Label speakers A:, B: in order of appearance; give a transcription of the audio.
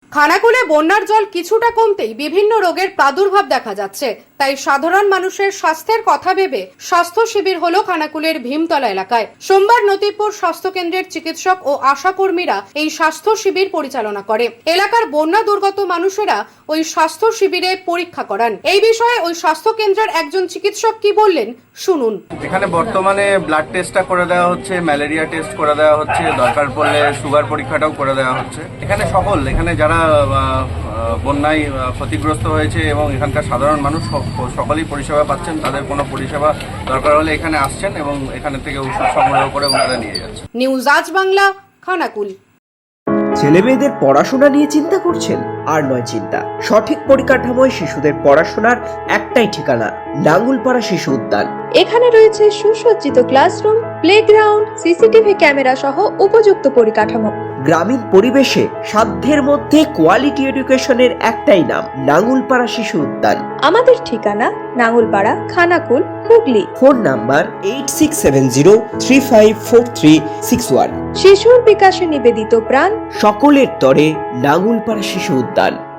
A: খানাকুলে বন্যার জল কিছুটা কমতেই বিভিন্ন রোগের প্রাদুর্ভাব দেখা যাচ্ছে। তাই সাধারণ মানুষের স্বাস্থ্যের কথা ভেবে স্বাস্থ্য শিবির হলো খানাকুলের ভীমতলা এলাকায়। সোমবার নতিপুর স্বাস্থ্য কেন্দ্রের চিকিৎসক ও আশা কর্মীরা এই স্বাস্থ্য শিবির পরিচালনা করে। এলাকার বন্যা দুর্গত মানুষেরা ওই স্বাস্থ্য শিবিরে পরীক্ষা করান। এই বিষয়ে ওই স্বাস্থ্য কেন্দ্রের একজন চিকিৎসক কি বললেন শুনুন।
B: এখানে বর্তমানে ব্লাড টেস্টটা করে দেওয়া হচ্ছে, ম্যালেরিয়া টেস্ট করে দেওয়া হচ্ছে, দরকার পড়লে সুগার পরীক্ষাটাও করে দেওয়া হচ্ছে। এখানে যারা বন্যায় ক্ষতিগ্রস্ত হয়েছে এবং এখানকার সাধারণ মানুষ সকলেই পরিষেবা পাচ্ছেন। তাদের কোনো পরিষেবা দরকার হলে এখানে আসছেন এবং এখানে থেকে ওষুধ সংগ্রহ করে ওনারা নিয়ে যাচ্ছেন।
A: নিউজ আজ বাংলা, খানাকুল।
C: ছেলে মেয়েদের পড়াশোনা নিয়ে চিন্তা করছেন? আর নয় চিন্তা, সঠিক পরিকাঠামোয় শিশুদের পড়াশোনার একটাই ঠিকানা, নাঙ্গুলপাড়া শিশু উদ্যান।
D: এখানে রয়েছে সুসজ্জিত ক্লাসরুম, প্লেগ্রাউন্ড, সিসিটিভি ক্যামেরা সহ উপযুক্ত পরিকাঠামো।
C: গ্রামীণ পরিবেশে সাধ্যের মধ্যে কোয়ালিটি এডুকেশনের একটাই নাম, নাঙ্গুলপাড়া শিশু উদ্যান।
D: আমাদের ঠিকানা নাঙ্গুলপাড়া, খানাকুল, হুগলি।
C: Phone number 8670354361।
D: শিশুর বিকাশে নিবেদিত প্রাণ,
C: সকলের তরে নাঙ্গুলপাড়া শিশু উদ্যান।